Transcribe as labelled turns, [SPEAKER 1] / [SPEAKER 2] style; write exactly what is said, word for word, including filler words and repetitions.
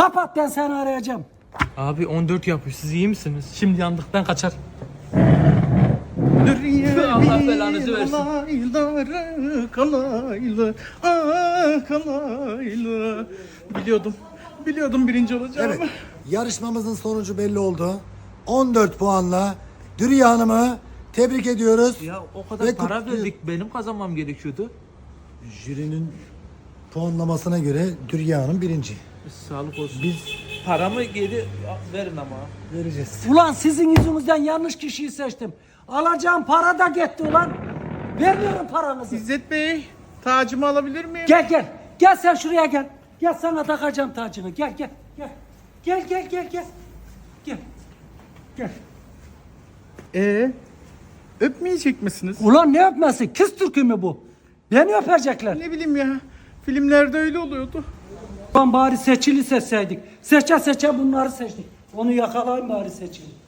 [SPEAKER 1] Kapat, ben seni arayacağım.
[SPEAKER 2] Abi on dört yapıyor. Siz iyi misiniz? Şimdi yandık, ben kaçar. Allah belanızı versin.
[SPEAKER 3] Kalaylı, kalaylı, ah kalaylı. Biliyordum. Biliyordum birinci olacağımı.
[SPEAKER 4] Evet. Yarışmamızın sonucu belli oldu. on dört puanla Dürüye Hanım'ı tebrik ediyoruz.
[SPEAKER 2] Ya o kadar
[SPEAKER 4] Ve
[SPEAKER 2] para
[SPEAKER 4] kutluyor-
[SPEAKER 2] verdik. Benim kazanmam gerekiyordu.
[SPEAKER 4] Jürinin puanlamasına göre Dürüye Hanım birinci.
[SPEAKER 2] Sağlık olsun. Biz paramı geri verin ama.
[SPEAKER 4] Vereceğiz.
[SPEAKER 1] Ulan sizin yüzünüzden yanlış kişiyi seçtim. Alacağım para da gitti ulan. Vermiyorum paranızı.
[SPEAKER 3] İzzet Bey, tacımı alabilir miyim?
[SPEAKER 1] Gel gel. Gel sen şuraya gel. Gel, sana takacağım tacını. Gel gel gel. Gel gel gel gel. Gel. Gel.
[SPEAKER 3] Ee, öpmeyecek misiniz?
[SPEAKER 1] Ulan ne öpmesi? Kız türkü mü bu? Beni öpecekler.
[SPEAKER 3] Ne bileyim ya. Filmlerde öyle oluyordu.
[SPEAKER 1] Ulan bari seçili seçseydik. Seçe seçe bunları seçtik. Onu yakalayın bari seçili.